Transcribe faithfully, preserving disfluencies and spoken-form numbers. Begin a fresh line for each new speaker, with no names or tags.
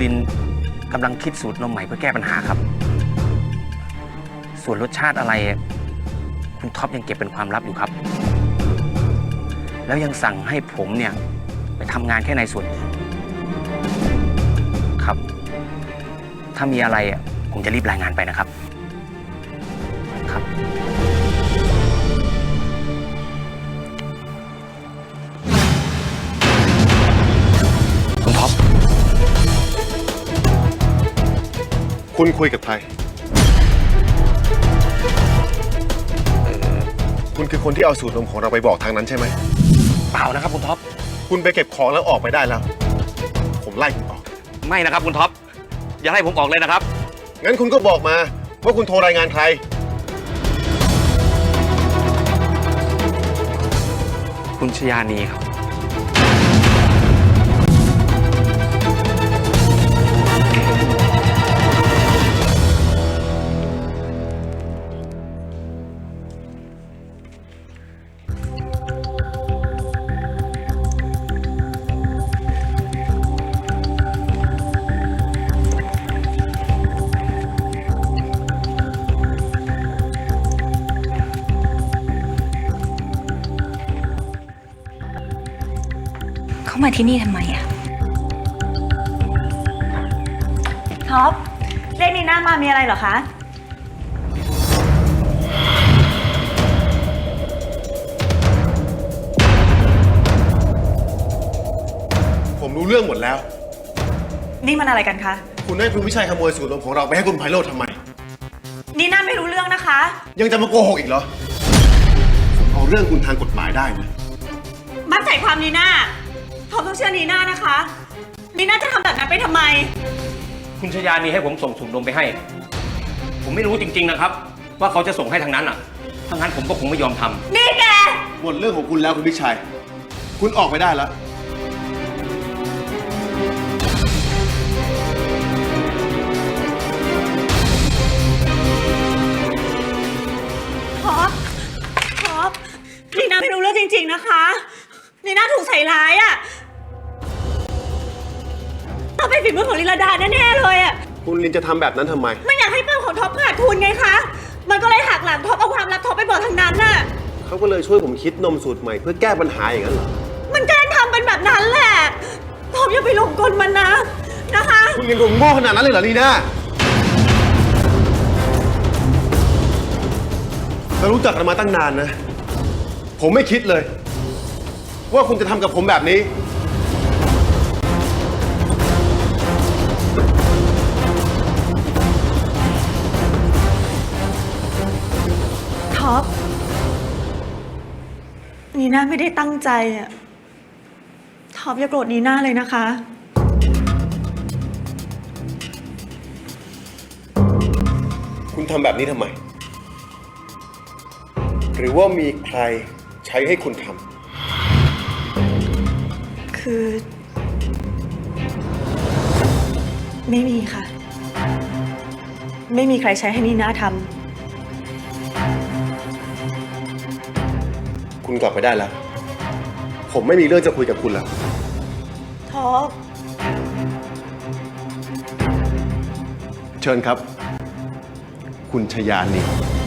ลินกำลังคิดสูตรนมใหม่เพื่อแก้ปัญหาครับส่วนรสชาติอะไรคุณท็อปยังเก็บเป็นความลับอยู่ครับแล้วยังสั่งให้ผมเนี่ยไปทำงานแค่ในส่วนครับถ้ามีอะไรผมจะรีบรายงานไปนะครับครับคุณท็อป
คุณคุยกับใครคุณคือคนที่เอาสูตรนมของเราไปบอกทางนั้นใช่ไหม
เปล่านะครับคุณท็อป
คุณไปเก็บของแล้วออกไปได้แล้วผมไล่คุณออก
ไม่นะครับคุณท็อปอย่าให้ผมออกเลยนะครับ
งั้นคุณก็บอกมาว่าคุณโทรรายงานใคร
คุณชยานีครับ
เขามาที่นี่ทำไมอะ
ท็อปเรียกนีน่ามามีอะไรเหรอคะ
ผมรู้เรื่องหมดแล้ว
นี่มันอะไรกันคะ
คุณให้คุณวิชัยขโมยสูตรนมของเราไปให้คุณไพโรจน์ทำไม
นีน่าไม่รู้เรื่องนะคะ
ยังจะมาโกหกอีกเหรอผมเอาเรื่องคุณทางกฎหมายได้นะ
มั่นใจความนีน่าท็อปต้องเชื่อนีน่านะคะนีน่าจะทำแบบนั้นไปทำไม
คุณชยานีให้ผมส่งสูตรนมไปให้ผมไม่รู้จริงๆนะครับว่าเขาจะส่งให้ทางนั้นอ่ะทางนั้นผมก็คงไม่ยอมทำ
นี่แก
หมดเรื่องของคุณแล้วคุณวิชัยคุณออกไปได้แล้ว
ท็อปท็อปนีน่าไม่รู้เรื่องจริงๆนะคะนีน่าถูกใส่ร้ายอ่ะต้องเป็นฝีมือของลิลดาแน่ๆเลยอ่ะ
คุณลินจะทำแบบนั้นทำไม
ไม่อยากให้เป้าของท็อปขาดทุนไงคะมันก็เลยหักหลังท็อปเอาความลับท็อปไปบอกทางนั้นน่ะ
เขาก็เลยช่วยผมคิดนมสูตรใหม่เพื่อแก้ปัญหาอย่างนั้นเหรอ
มันแกล้งทำเป็นแบบนั้นแหละท็อปอย่าไปหลงกลมันนะนะคะ
คุณลินผมโง่ขนาดนั้นเลยเหรอลีน่าเรารู้จักกันมาตั้งนานนะผมไม่คิดเลยว่าคุณจะทำกับผมแบบนี้
ท็อปนีน่าไม่ได้ตั้งใจอะท็อปอย่าโกรธนีน่าเลยนะคะ
คุณทำแบบนี้ทำไมหรือว่ามีใครใช้ให้คุณท
ำคือไม่มีค่ะไม่มีใครใช้ให้นีน่าทำ
คุณกลับไปได้แล้วผมไม่มีเรื่องจะคุยกับคุณแล้ว
ท็อป
เชิญครับคุณชยานี